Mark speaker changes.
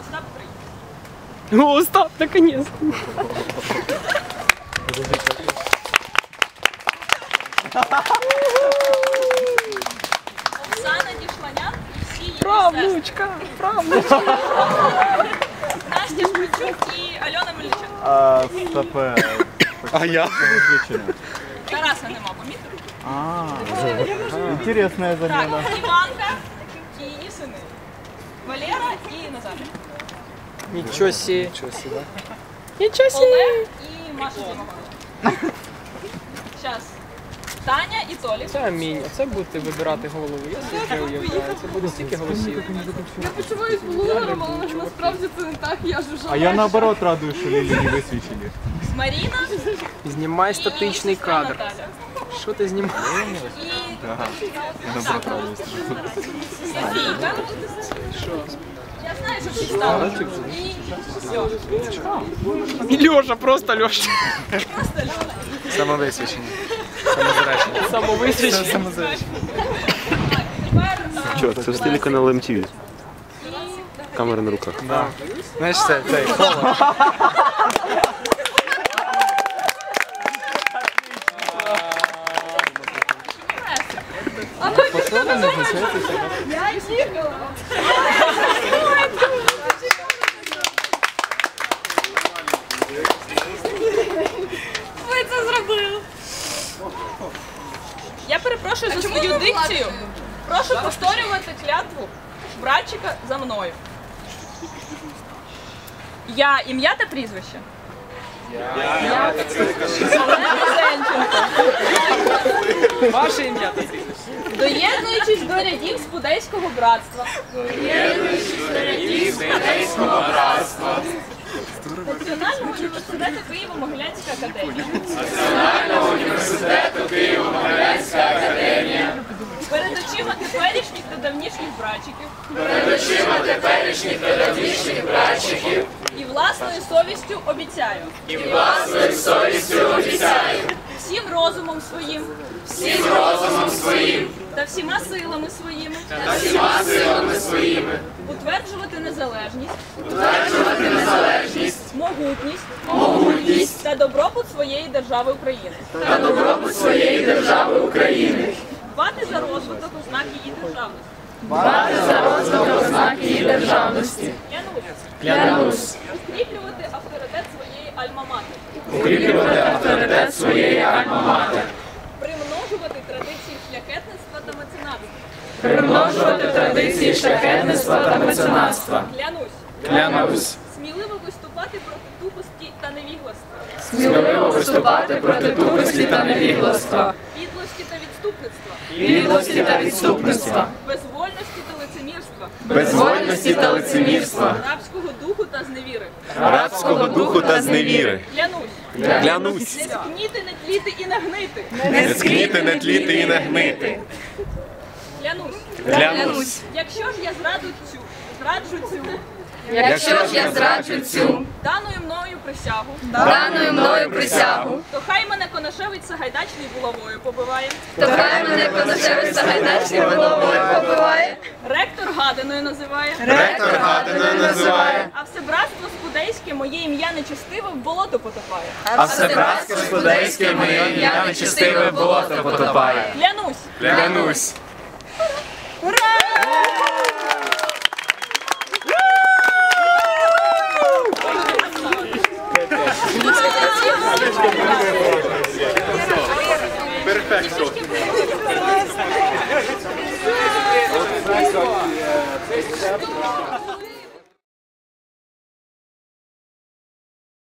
Speaker 1: Остап 3.
Speaker 2: О, Остап, наконец-то.
Speaker 1: Оксана Дішланян і всі її
Speaker 2: Правнучка, правнучка.
Speaker 1: Настя Шпичук і Альона Мельничук.
Speaker 3: Стоп. А я?
Speaker 1: Тараса нема, помітили?
Speaker 3: Интересная
Speaker 1: Так,
Speaker 3: замена.
Speaker 1: Іванка і її сини. Валера і Назарій.
Speaker 2: Ничего себе. Ничего себе.
Speaker 1: Олег і Маша Дімович. Зараз. Таня і Толік.
Speaker 2: Це амінь. Оце будете вибирати голову. Я собі вже уявляю. Це буде стільки голосів.
Speaker 4: Я почуваюсь блогером, але насправді це не так, я жужжала.
Speaker 3: А я наоборот радуюсь, що Лілі не висвічили.
Speaker 1: Маріна
Speaker 2: Знімай
Speaker 1: і
Speaker 2: статичний
Speaker 1: сестра
Speaker 2: кадр.
Speaker 1: Наталя.
Speaker 2: Що ти знімаєш?
Speaker 1: І
Speaker 3: Я наоборот радуюсь.
Speaker 1: Софійка. Я знаю, що всі стали. І все.
Speaker 2: Льоша, просто Льоша.
Speaker 1: Просто Льона.
Speaker 5: Самовисвічення. Самозаречення.
Speaker 2: Самовисвічення.
Speaker 5: Самозаречення.
Speaker 1: Тепер
Speaker 6: Чо, це ж телеканал MTV. Камера на руках.
Speaker 5: Знаєш, це холод.
Speaker 4: Я їхала. Ви це зробили.
Speaker 1: я перепрошую за свою дикцію. Прошу повторювати клятву братчика за мною. Я ім'я та прізвище. Я Олена Зенченко.
Speaker 2: Ваше ім'я.
Speaker 1: Доєднуючись до рядів Спудейського братства. Національного університету Києво-Могилянська академія. Перед очима теперішніх та давнішніх братчиків. І власною совістю обіцяю. Всім розумом своїм. Та всіма силами своїми. Утверджувати незалежність. Могутність. Та добробут своєї держави України. Дбати за розвиток ознак її державності. Клянусь. Укріплювати авторитет своєї альма-матер. Примножувати традиції шляхетництва та меценатства. Клянусь. Сміливо виступати проти тупості та невігластва. Підлості та відступництва. Безвольності та лицемірства. Рабського духу та зневіри.
Speaker 6: Клянусь.
Speaker 1: Не скніти, не тліти і не гнити. Клянусь. Якщо ж я зраджу цю даною мною присягу, то хай мене Конашевич Сагайдачний булавою побиває. Ректор гаданою називає. А все братство Спудейське моє ім'я нечестиве в болото потопає. Клянусь.
Speaker 3: Перфекто.